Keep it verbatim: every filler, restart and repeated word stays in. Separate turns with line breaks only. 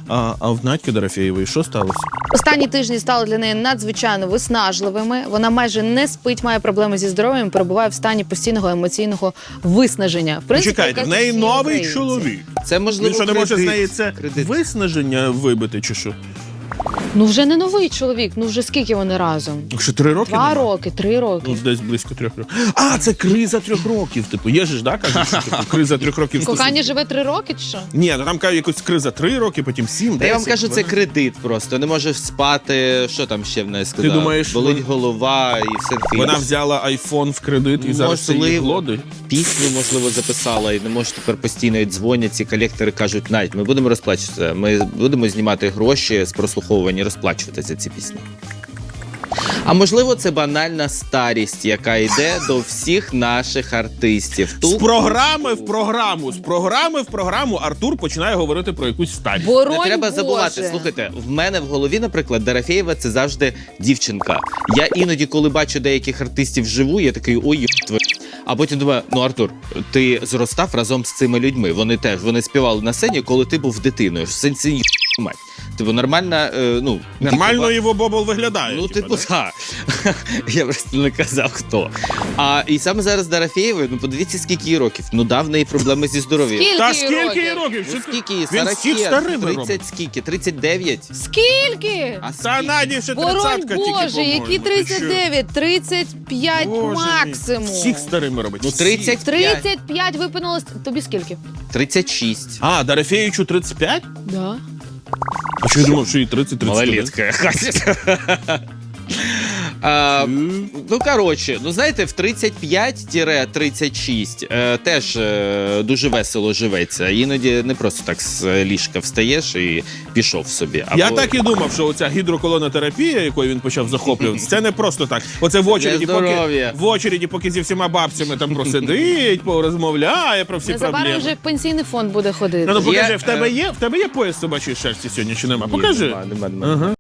А, а в Надьки Дорофєєвої що сталося?
Останні тижні стали для неї надзвичайно виснажливими. Вона майже не спить, має проблеми зі здоров'ям, перебуває в стані постійного емоційного виснаження. В принципі,
Чекайте, в
яке
неї
всі
новий
українці.
чоловік.
Це можливо
Він що, не може з
кредит.
неї це
Кредит.
виснаження вибити, чи що?
Ну вже не новий чоловік, ну вже скільки вони разом?
Що, три роки?
Два
нема?
роки, три роки.
Ну, десь близько трьох років. А, це криза трьох років. Типу, є ж, да, кажуть, що типу, криза трьох років.
Кохання
стосунків.
живе три роки чи що?
Ні, ну там кажуть, якось криза три роки, потім сім,
Та
десять.
я вам кажу, це
дванадцять.
кредит просто. Не може спати. Що там ще в неї сказав?
думаєш,
болить
вон-
голова і все таке.
Вона взяла айфон в кредит і зараз це її
Можливо.
глодить.
Пісню, можливо, записала і не може тепер постійно їй дзвонять. Ці колектори кажуть, Надь, ми будемо розплачуватися. Ми будемо знімати гроші з прослуховування і розплачуватися за ці пісні. А можливо, це банальна старість, яка йде до всіх наших артистів.
З програми в програму, з програми в програму Артур починає говорити про якусь старість.
Боронь
Не треба
Боже.
забувати. Слухайте, в мене в голові, наприклад, Дорофєєва – це завжди дівчинка. Я іноді, коли бачу деяких артистів вживу, я такий ой, єб твою. А потім думаю, ну Артур, ти зростав разом з цими людьми. Вони теж вони співали на сцені, коли ти був дитиною. В сенсі єб мать. Типу нормальна, е, ну
Нормально
типу,
його бобол виглядає.
Ну, типу,
да?
так. Я просто не казав, хто. А і саме зараз Дорофєєвої, ну подивіться, скільки їй років. Ну, да, в неї проблеми зі здоров'ям.
Скільки
Та
їй
скільки їй
років?
років?
Ну,
Що ти-
скільки їй?
Він всіх
сорок,
старими робить.
тридцять скільки? тридцять дев'ять?
Скільки?
А
Та Наді ще
Боронь
тридцятка тільки,
Боже,
по-моєму.
які
Ти
тридцять
що?
дев'ять, тридцять п'ять
Боже мій.
максимум.
Всіх старими робить.
Ну,
Всіх.
тридцять п'ять.
тридцять п'ять випинулось. Тобі скільки?
тридцять шість.
А, Дорофєєвичу тридцять п'ять?
Да.
А що я думав, що їй тридцять тридцять один?
Малолетка. А, ну, коротше, ну знаєте, в тридцять п'ять тридцять шість е, теж е, дуже весело живеться. Іноді не просто так з ліжка встаєш і пішов собі. Або...
Я так і думав, що оця гідроколонотерапія, якою він почав захоплюватися, це не просто так. Оце в очереді,
Для
поки,
здоров'я.
в очереді, поки зі всіма бабцями там просидить, порозмовляє про всі
Незабаром
проблеми.
вже в пенсійний фонд буде ходити.
Ну, ну покажи,
Є,
в тебе
е,
є, в тебе є пояс собачої шерсті сьогодні чи нема? Покажи.
Нема, нема, нема.
Ага.